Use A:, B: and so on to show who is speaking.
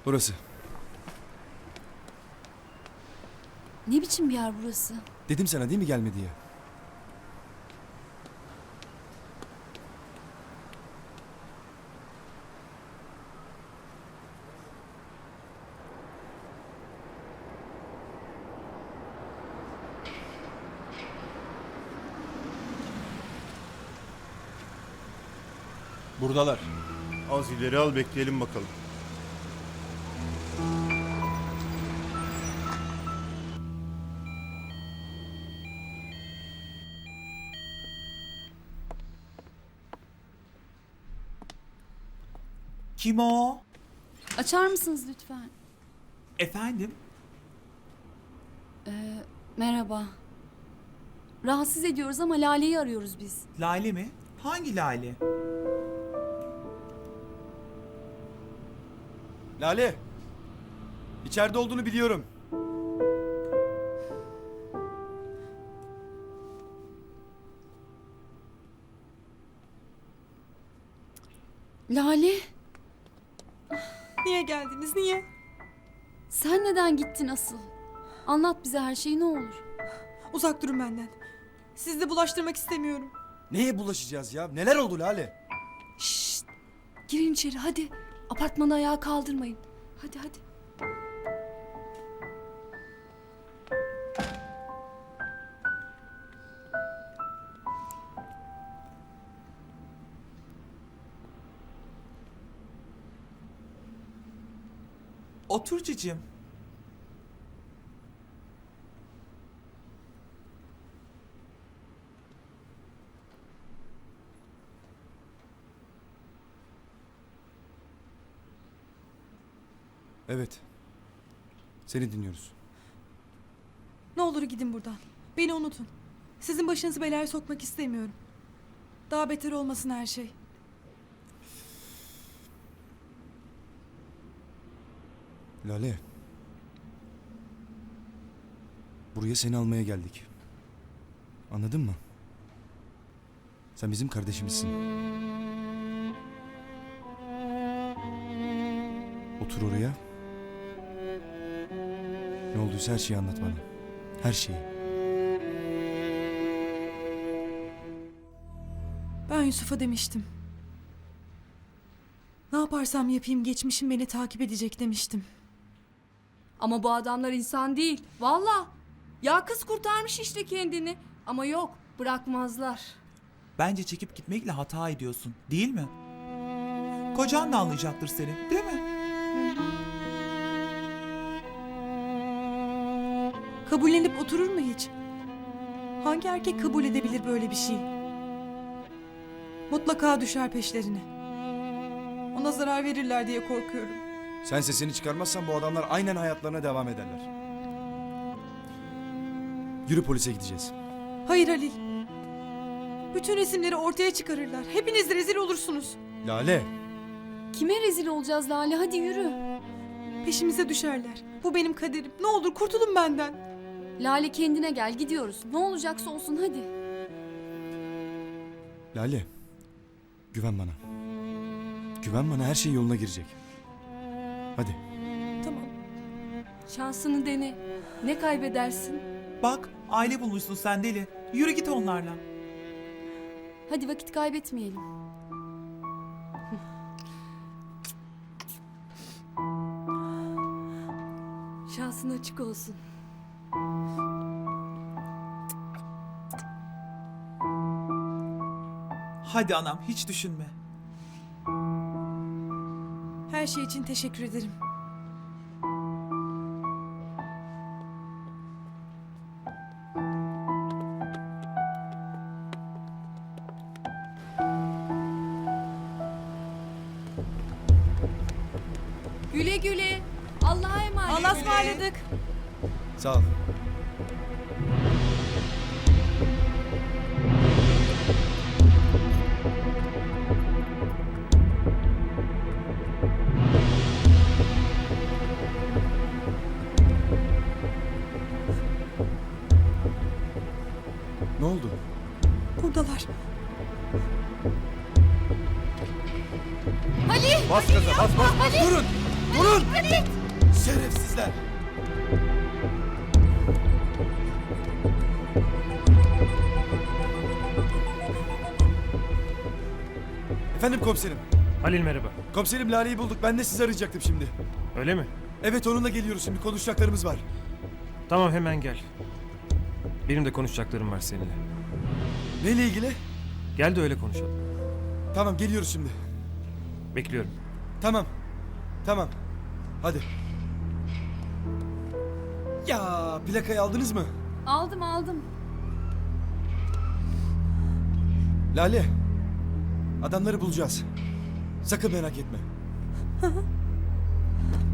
A: Burası.
B: Ne biçim bir yer burası?
A: Dedim sana değil mi gelme diye.
C: Buradalar.
D: Az ileri al, bekleyelim bakalım.
E: Kim o?
B: Açar mısınız lütfen?
E: Efendim?
B: Merhaba. Rahatsız ediyoruz ama Lale'yi arıyoruz biz.
E: Lale mi? Hangi Lale?
A: Lale. İçeride olduğunu biliyorum.
B: Lale,
F: Niye geldiniz? Niye?
B: sen neden gittin asıl? Anlat bize her şeyi ne olur.
F: Uzak durun benden. Sizi de bulaştırmak istemiyorum.
A: Neye bulaşacağız ya? Neler oldu Lale?
B: Şşt! Girin içeri hadi. Apartmanı ayağa kaldırmayın. Hadi hadi.
E: Otur cicim.
A: Evet. Seni dinliyoruz.
F: Ne olur gidin buradan. Beni unutun. Sizin başınızı belaya sokmak istemiyorum. Daha beter olmasın her şey.
A: Lale. Buraya seni almaya geldik. Anladın mı? Sen bizim kardeşimizsin. Otur oraya. Ne olduysa her şeyi anlat bana. Her şeyi.
F: Ben Yusuf'a demiştim. Ne yaparsam yapayım geçmişim beni takip edecek demiştim.
G: Ama bu adamlar insan değil. Valla. Ya kız kurtarmış işte kendini. Ama yok, bırakmazlar.
E: Bence çekip gitmekle hata ediyorsun, değil mi? Kocan da anlayacaktır seni, değil mi?
F: Kabullenip oturur mu hiç? Hangi erkek kabul edebilir böyle bir şey? Mutlaka düşer peşlerine. Ona zarar verirler diye korkuyorum.
A: Sen sesini çıkarmazsan bu adamlar aynen hayatlarına devam ederler. Yürü, polise gideceğiz.
F: Hayır Halil. Bütün resimleri ortaya çıkarırlar. Hepiniz rezil olursunuz.
A: Lale.
B: Kime rezil olacağız Lale? Hadi yürü.
F: Peşimize düşerler. Bu benim kaderim. Ne olur kurtulun benden.
B: Lale kendine gel gidiyoruz. Ne olacaksa olsun hadi.
A: Lale. Güven bana. Güven bana, her şey yoluna girecek. Hadi.
F: Tamam.
G: Şansını dene. Ne kaybedersin?
E: Bak, aile bulmuşsun sen deli. Yürü git onlarla.
B: Hadi vakit kaybetmeyelim.
G: Şansın açık olsun.
E: Hadi anam, hiç düşünme.
F: Her şey için teşekkür ederim.
G: Güle güle. Allah'a emanet.
F: Allah'a ısmarladık.
A: Sağ ol. Ne oldu?
F: Buradalar.
A: Bas gaza, bas bas bas, durun! Durun! Şerefsizler! Efendim komiserim.
C: Halil merhaba.
A: Komiserim Lale'yi bulduk. Ben de sizi arayacaktım şimdi.
C: Öyle mi?
A: Evet onunla geliyoruz şimdi. Konuşacaklarımız var.
C: Tamam hemen gel. Benim de konuşacaklarım var seninle.
A: Neyle ilgili?
C: Gel de öyle konuşalım.
A: Tamam geliyoruz şimdi.
C: Bekliyorum.
A: Tamam. Tamam. Hadi. Ya plakayı aldınız mı?
G: Aldım.
A: Lale. Adamları bulacağız. Sakın merak etme.